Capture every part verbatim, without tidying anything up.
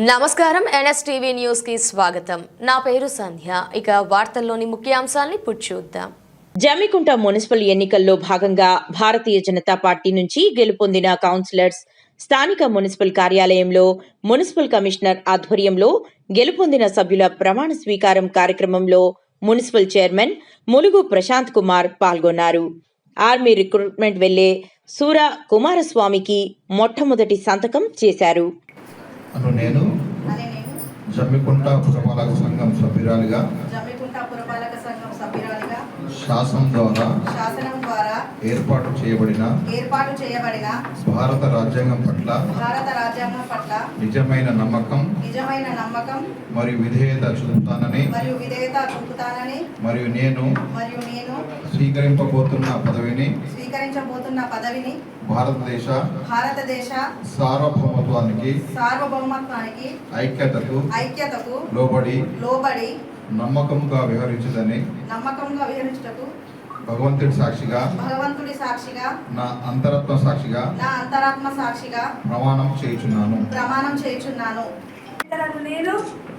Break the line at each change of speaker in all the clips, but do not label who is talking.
నమస్కారం NSTV news కి స్వాగతం. నా పేరు సంధ్య. ఇక వార్తల్లోని ముఖ్యాంశాలను ఇప్పుడు చూద్దాం.
జమ్మికుంట మున్సిపల్ ఎన్నికల్లో భాగంగా భారతీయ జనతా పార్టీ నుంచి గెలుపొందిన కౌన్సిలర్స్ స్థానిక మున్సిపల్ కార్యాలయంలో మున్సిపల్ కమిషనర్ ఆధ్వర్యంలో గెలుపొందిన సభ్యుల ప్రమాణ స్వీకారం కార్యక్రమంలో మున్సిపల్ చైర్మన్ ములుగు ప్రశాంత్ కుమార్ పాల్గొన్నారు. ఆర్మీ రిక్రూట్మెంట్ వెళ్లే సూర కుమారస్వామికి మొట్టమొదటి సంతకం చేశారు.
అను నేను జమ్మికుంట పురపాలక సంఘం సభ్యురాలిగా
జమ్మికుంట పురపాలక సంఘం సభ్యురాలిగా
శాసనం ద్వారా
శాసనం ద్వారా
ఏర్పాటు చేయబడిన
ఏర్పాటు చేయబడిన
భారత రాజ్యాంగం పట్ల
భారత రాజ్యాంగం పట్ల
నిజమైన నమ్మకం
నిజమైన నమ్మకం
మరియు విధేయత చూపుతానని
మరియు విధేయత చూపుతానని
మరియు నేను
మరియు నేను
స్వీకరింపబోతున్న పదవిని
స్వీకరించబోతున్న పదవిని
భారతదేశ
భారతదేశ
సార్వభౌమత్వానికి
సార్వభౌమత్వానికి
ఐక్యతకు
ఐక్యతకు
లోబడి
లోబడి
నమ్మకంగా వ్యవహరించదని
నమ్మకంగా వివరించుటకు
భగవంతుడి సాక్షిగా
భగవంతుడి సాక్షిగా
నా అంతరాత్మ సాక్షిగా
నా అంతరాత్మ సాక్షిగా
ప్రమాణం చేయుచున్నాను
ప్రమాణం చేయుచున్నాను. నేను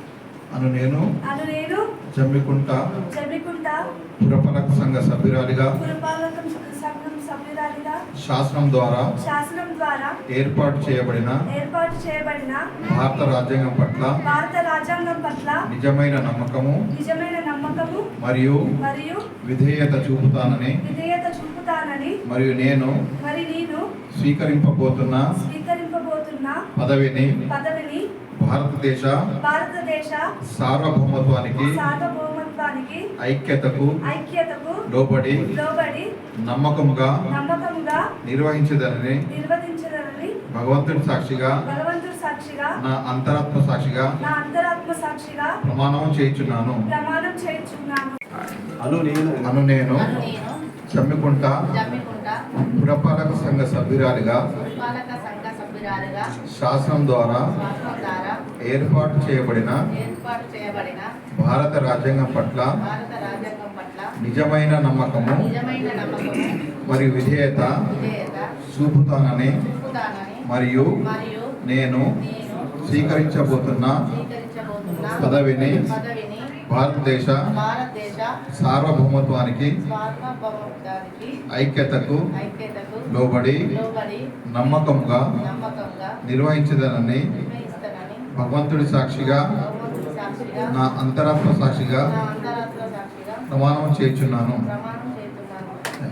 అను నేను
అను నేను
జమ్మికుంట
జమ్మికుంట
పురపాలక సంఘ సభ్యురాలిగా
పురపాలక సంఘం సభ్యురాలిగా
శాసనం ద్వారా
శాసనం ద్వారా
ఏర్పాటు చేయబడిన
ఏర్పాటు చేయబడిన
భారత రాజ్యాంగం పట్ల
భారత రాజ్యాంగం పట్ల
నిజమైన నమ్మకము
నిజమైన నమ్మకము
మరియు
మరియు
విధేయత చూపుతానని
విధేయత చూపుతానని
మరియు నేను
మరి నేను
స్వీకరింపబోతున్న
స్వీకరింపబోతున్న
పదవిని
పదవిని
భారతదేశ
భారతదేశ
సార్వభౌమత్వానికి
సార్వభౌమత్వానికి
ఐక్యతకు
ఐక్యతకు
లోబడి
లోబడి
నమ్మకముగా
నమ్మకముగా
నిర్వహించదనని
నిర్వహించదనని
భగవంతుడి సాక్షిగా
భగవంతుడి సాక్షిగా
నా అంతరాత్మ సాక్షిగా
నా అంతరాత్మ సాక్షిగా
ప్రమాణం చేయుచున్నాను.
ప్రమాణం చేయుచున్నాను.
అను నేను అను నేను జమ్మికుంట
జమ్మికుంట
పురపాలక సంఘ సభ్యురాలిగా
పురపాలక సంఘ సభ్యురాలిగా
శాసనం ద్వారా
శాసనం ద్వారా
ఏర్పాటు చేయబడిన
ఏర్పాటు చేయబడిన
భారత రాజ్యాంగం పట్ల
భారత రాజ్యాంగం పట్ల
నిజమైన నమ్మకము
నిజమైన నమ్మకము
మరియు విధేయత
విధేయత
చూపుతానని
చూపుతానని
మరియు
మరియు
నేను
నేను
స్వీకరించబోతున్న
స్వీకరించబోతున్న
పదవిని
పదవిని
భారతదేశ
భారతదేశ
సార్వభౌమత్వానికి
సార్వభౌమత్వానికి
ఐక్యతకు
ఐక్యతకు
లోబడి
లోబడి
నమ్మకంగా
నమ్మకంగా
నిర్వహించదనని
నిర్వహిస్తానని
భగవంతుడి సాక్షిగా
భగవంతుడి సాక్షిగా
నా అంతరాత్మ సాక్షిగా
నా అంతరాత్మ సాక్షిగా
ప్రమాణం చేయుచున్నాను.
ప్రమాణం చేస్తున్నాను.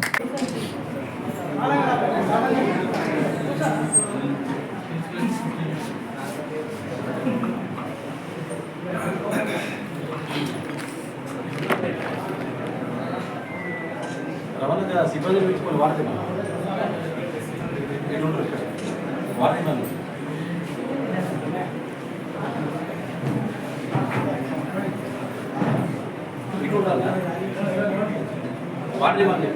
రవాణా సిబ్బంది పెట్టుకొని వాడుతున్నాను వాడుతున్నాను ఇటు ఉండాలా వాడి వాళ్ళు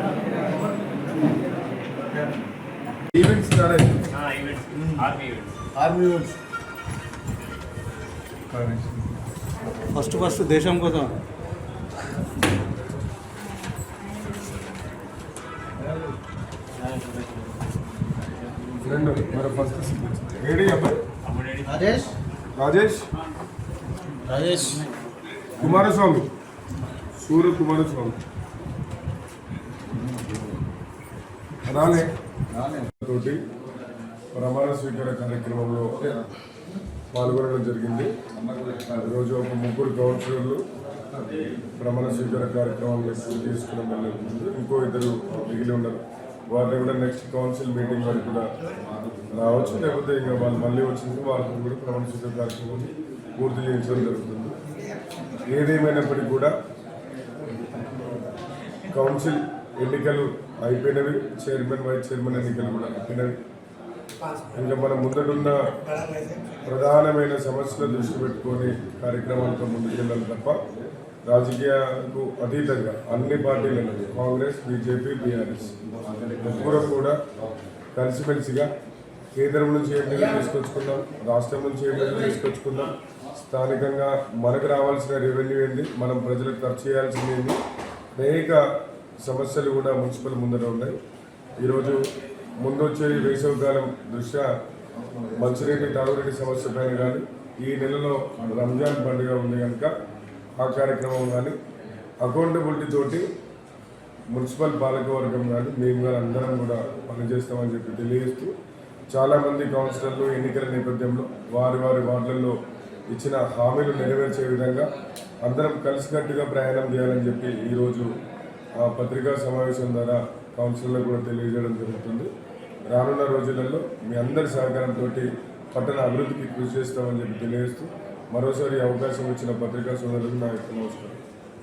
events army events first first దేశం కోసం రెండు మరి ఫస్ట్ ఏడి అబ్బాయి రాజేష్ రాజేష్ రాజేష్ కుమారస్వామి సూర్య కుమారస్వామి రాలే తోటి ప్రమాణ స్వీకార కార్యక్రమంలో పాల్గొనడం జరిగింది. ఈరోజు ఒక ముగ్గురు కౌన్సిలర్లు ప్రమాణ స్వీకార కార్యక్రమాన్ని పూర్తి చేసుకున్న ఇంకో ఇద్దరు మిగిలి ఉన్నారు. వాళ్ళు కూడా నెక్స్ట్ కౌన్సిల్ మీటింగ్ వరకు కూడా రావచ్చు, లేకపోతే ఇక వాళ్ళు మళ్ళీ వచ్చింది వాళ్ళకి కూడా ప్రమాణ స్వీకార కార్యక్రమం పూర్తి చేయించడం జరుగుతుంది. ఏదేమైనప్పటికీ కూడా కౌన్సిల్ ఎన్నికలు అయిపోయినవి, చైర్మన్ వైస్ చైర్మన్ ఎన్నికలు కూడా అయిపోయినవి. ఇంకా మనం ముందడున్న ప్రధానమైన సమస్యల దృష్టి పెట్టుకొని కార్యక్రమాలతో ముందుకెళ్ళాలి తప్ప రాజకీయాలకు అతీతంగా అన్ని పార్టీలను కాంగ్రెస్, బీజేపీ, బీఆర్ఎస్ ముగ్గురు కూడా కలిసిమెలిసిగా కేంద్రం నుంచి ఏం నిధులు తీసుకొచ్చుకుందాం, రాష్ట్రం నుంచి ఏం నిధులు తీసుకొచ్చుకుందాం, స్థానికంగా మనకు రావాల్సిన రెవెన్యూ ఏంటి, మనం ప్రజలకు ఖర్చు చేయాల్సింది ఏంటి, అనేక సమస్యలు కూడా మున్సిపల్ ముందర ఉన్నాయి. ఈరోజు ముందొచ్చే వేసవికాలం దృష్ట్యా మంచినీటి తాగునీటి సమస్య పైన కానీ ఈ నెలలో రంజాన్ పండుగ ఉంది కనుక ఆ కార్యక్రమం కానీ అకౌంటబిలిటీ తోటి మున్సిపల్ పాలకవర్గం కానీ మేము కానీ అందరం కూడా పనిచేస్తామని చెప్పి తెలియజేస్తూ చాలామంది కౌన్సిలర్లు ఎన్నికల నేపథ్యంలో వారి వారి వార్డులలో ఇచ్చిన హామీలు నెరవేర్చే విధంగా అందరం కలిసికట్టుగా ప్రయాణం చేయాలని చెప్పి ఈరోజు ఆ పత్రికా సమావేశం ద్వారా కౌన్సిలర్లకు కూడా తెలియజేయడం జరుగుతుంది. రానున్న రోజులలో మీ అందరి సహకారంతో పట్టణ అభివృద్ధికి కృషి చేస్తామని చెప్పి తెలియజేస్తూ మరోసారి అవకాశం ఇచ్చిన పత్రికా సోదరులకు నా యొక్క నమస్కారం.